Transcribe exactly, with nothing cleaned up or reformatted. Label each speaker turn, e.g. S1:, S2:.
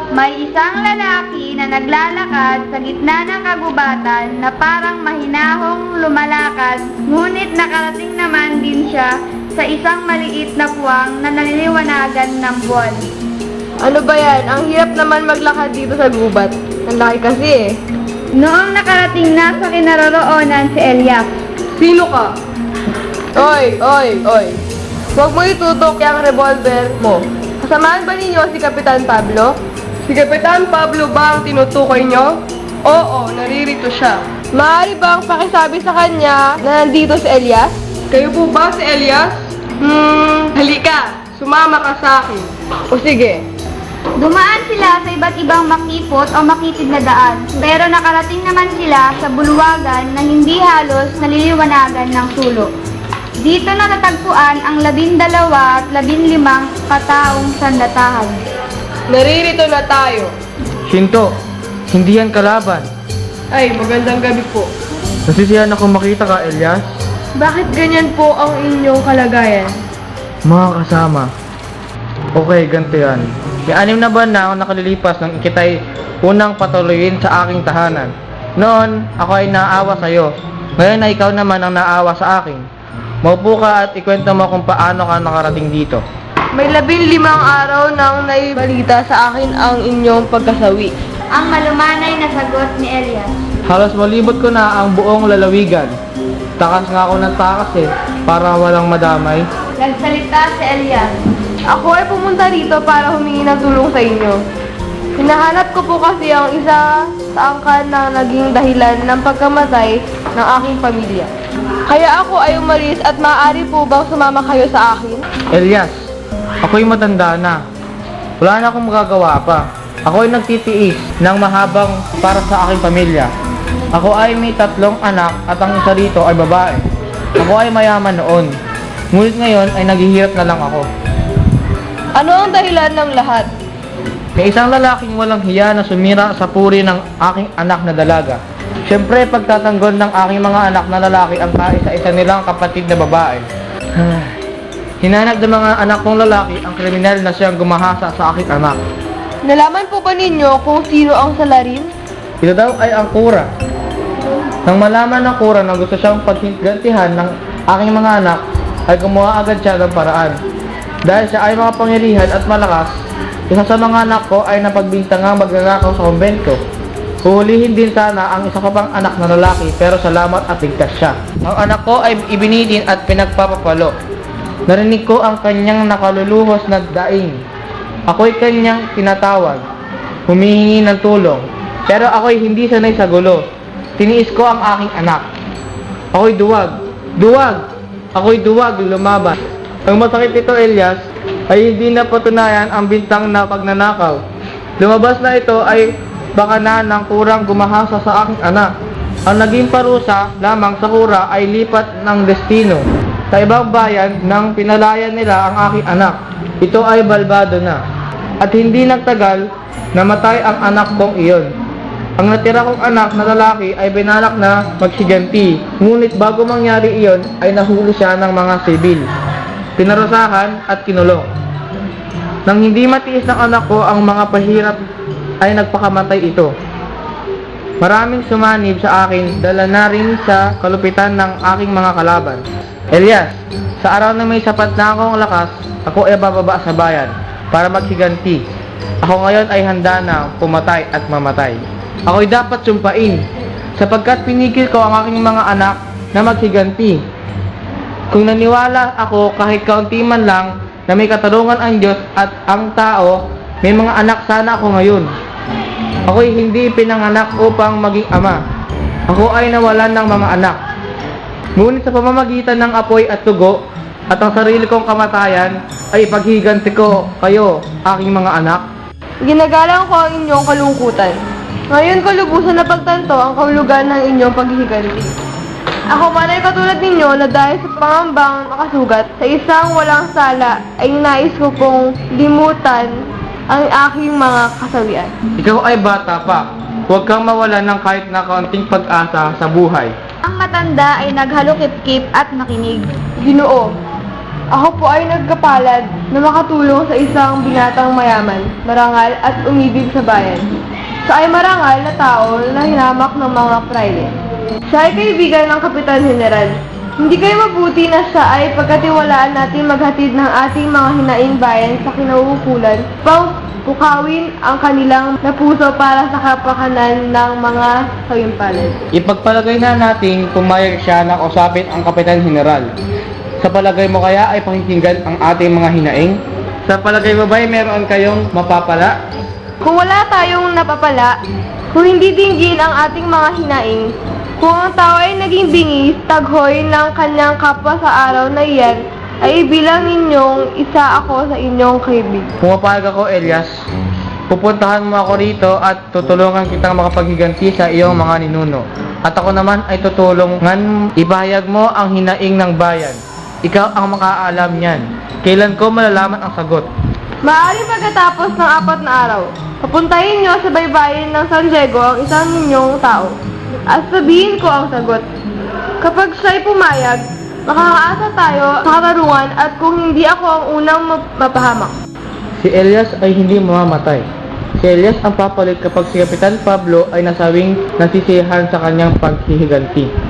S1: May isang lalaki na naglalakad sa gitna ng kagubatan na parang mahinahong lumalakad, ngunit nakarating naman din siya sa isang maliit na puwang na naliliwanagan ng buwan.
S2: Ano ba yan? Ang hirap naman maglakad dito sa gubat. Ang laki kasi eh.
S1: Noong nakarating na sa kinaroroonan si Elias.
S2: Sino ka? Oy, oy, oy. Huwag mo itutok yung revolver mo. Kasamahan ba ninyo si Kapitan Pablo? Si Kapitan Pablo ba ang tinutukoy nyo? Oo, naririto siya. Maaari bang pakisabi sa kanya na nandito si Elias? Kayo po ba si Elias? Hmm, halika. Sumama ka sa akin. O sige.
S1: Dumaan sila sa iba't ibang makipot o makitid na daan, pero nakarating naman sila sa bulwagan na hindi halos naliliwanagan ng sulok. Dito na natagpuan ang labindalawa at labinlimang kataong sandatahan.
S2: Naririto na tayo.
S3: Shinto, hindi yan kalaban.
S2: Ay, magandang gabi po.
S3: Nasisiyahan ako makita ka, Elias.
S2: Bakit ganyan po ang inyong kalagayan?
S3: Mga kasama. Okay, ganito yan. May anim na buwan na ako nakalilipas nang ikitay unang patuloyin sa aking tahanan. Noon, ako ay naawa sa'yo. Ngayon na ikaw naman ang naawa sa akin. Maupo ka at ikwento mo kung paano ka nakarating dito.
S2: May labing limang araw nang naibalita sa akin ang inyong pagkasawi.
S1: Ang malumanay na sagot ni Elias.
S3: Halos malibot ko na ang buong lalawigan. Takas nga ako ng takas eh, para walang madamay.
S1: Nagsalita si Elias.
S2: Ako ay pumunta rito para humingi ng tulong sa inyo. Hinahanap ko po kasi ang isa sa angkan na naging dahilan ng pagkamatay ng aking pamilya. Kaya ako ay umalis at maaari po bang sumama kayo sa akin?
S3: Elias, ako'y matanda na. Wala na akong magagawa pa. Ako'y nagtitiis ng mahabang para sa aking pamilya. Ako ay may tatlong anak at ang isa rito ay babae. Ako ay mayaman noon. Ngunit ngayon ay naghihirap na lang ako.
S2: Ano ang dahilan ng lahat?
S3: May isang lalaking walang hiya na sumira sa puri ng aking anak na dalaga. Siyempre, pagtatanggol ng aking mga anak na lalaki ang kaisa-isa nilang kapatid na babae. Hinanap ng mga anak kong lalaki ang kriminal na siyang gumahasa sa aking anak.
S2: Nalaman po ba ninyo kung sino ang salarin?
S3: Ito daw ay ang kura. Nang malaman ng kura na gusto siyang paggantihan ng aking mga anak, ay gumawa agad siya ng paraan. Dahil siya ay makapangyarihan at malakas, isa sa mga anak ko ay napagbintangang magnanakaw sa kumbento. Huhulihin din sana ang isa ko pang anak na lalaki, pero salamat at ligtas siya. Ang anak ko ay ibinidin at pinagpapapalo. Narinig ko ang kanyang nakaluluhos na daing. Ako'y kanyang tinatawag, humihingi ng tulong. Pero ako'y hindi sanay sa gulo. Tiniis ko ang aking anak. Ako'y duwag. Duwag! Ako'y duwag, lumaban. Ang masakit ito, Elias, ay hindi na patunayan ang bintang na pagnanakaw. Lumabas na ito ay baka na ng kurang gumahasa sa aking anak. Ang naging parusa lamang sa kura ay lipat ng destino. Sa ibang bayan nang pinalayan nila ang aking anak. Ito ay balbado na. At hindi nagtagal, namatay ang anak kong iyon. Ang natira kong anak na lalaki ay binalak na magsiganti. Ngunit bago mangyari iyon ay nahuli siya ng mga sibil. Pinarusahan at kinulong. Nang hindi matiis ng anak ko ang mga pahirap ay nagpakamatay ito. Maraming sumanib sa akin, dala na rin sa kalupitan ng aking mga kalaban. Elias, sa araw na may sapat na akong lakas, ako ay bababa sa bayan para magsiganti. Ako ngayon ay handa na pumatay at mamatay. Ako'y dapat sumpain, sapagkat pinigil ko ang aking mga anak na magsiganti. Kung naniwala ako kahit kaunti man lang na may katarungan ang Diyos at ang tao, may mga anak sana ako ngayon. Ako'y hindi pinanganak upang maging ama. Ako ay nawalan ng mga anak. Ngunit sa pamamagitan ng apoy at tugo at ang sarili kong kamatayan ay ipaghiganti ko kayo, aking mga anak.
S2: Ginagalang ko ang inyong kalungkutan. Ngayon ko lubusan na pagtanto ang kahulugan ng inyong paghihiganti. Ako man ay katulad ninyo na dahil sa pangambang makasugat sa isang walang sala ay nais ko pong limutan ang aking mga kasawian.
S3: Ikaw ay bata pa. Huwag kang mawalan ng kahit na kaunting pag-asa sa buhay.
S1: Ang matanda ay naghalukip-kip at nakinig.
S2: Ginoo, Ako po ay nagkapalad na makatulong sa isang binatang mayaman, marangal at umibig sa bayan. Siya ay marangal na tao na hinamak ng mga praile. Siya ay kaibigan ng Kapitan General. Hindi kayo mabuti na siya ay pagkatiwalaan natin maghatid ng ating mga hinaing bayan sa kinauukulan upang pukawin ang kanilang napuso para sa kapakanan ng mga kayumpalad.
S3: Ipagpalagay na nating pumayag siya na kausapin ang Kapitan General. Sa palagay mo kaya ay pakikinggan ang ating mga hinaing? Sa palagay mo ba ay meron kayong mapapala?
S2: Kung wala tayong napapala, kung hindi dinggin ang ating mga hinaing, kung ang tao ay naging bingis, taghoy ng kanyang kapwa sa araw na iyan, ay ibilang ninyong isa ako sa inyong kaibig.
S3: Pumapayag ako, Elias. Pupuntahan mo ako rito at tutulungan kitang makapaghiganti sa iyong mga ninuno. At ako naman ay tutulungan ibahayag mo ang hinaing ng bayan. Ikaw ang makaalam niyan. Kailan ko malalaman ang sagot?
S2: Maaari pagkatapos ng apat na araw, papuntahin nyo sa baybayin ng San Diego ang isang ninyong tao. At sabihin ko ang sagot. Kapag siya'y pumayag, makakaasa tayo sa katarungan at kung hindi ako ang unang map- mapahamak.
S3: Si Elias ay hindi mamamatay. Si Elias ang papalit kapag si Kapitan Pablo ay nasawing nasisiyahan sa kanyang paghihiganti.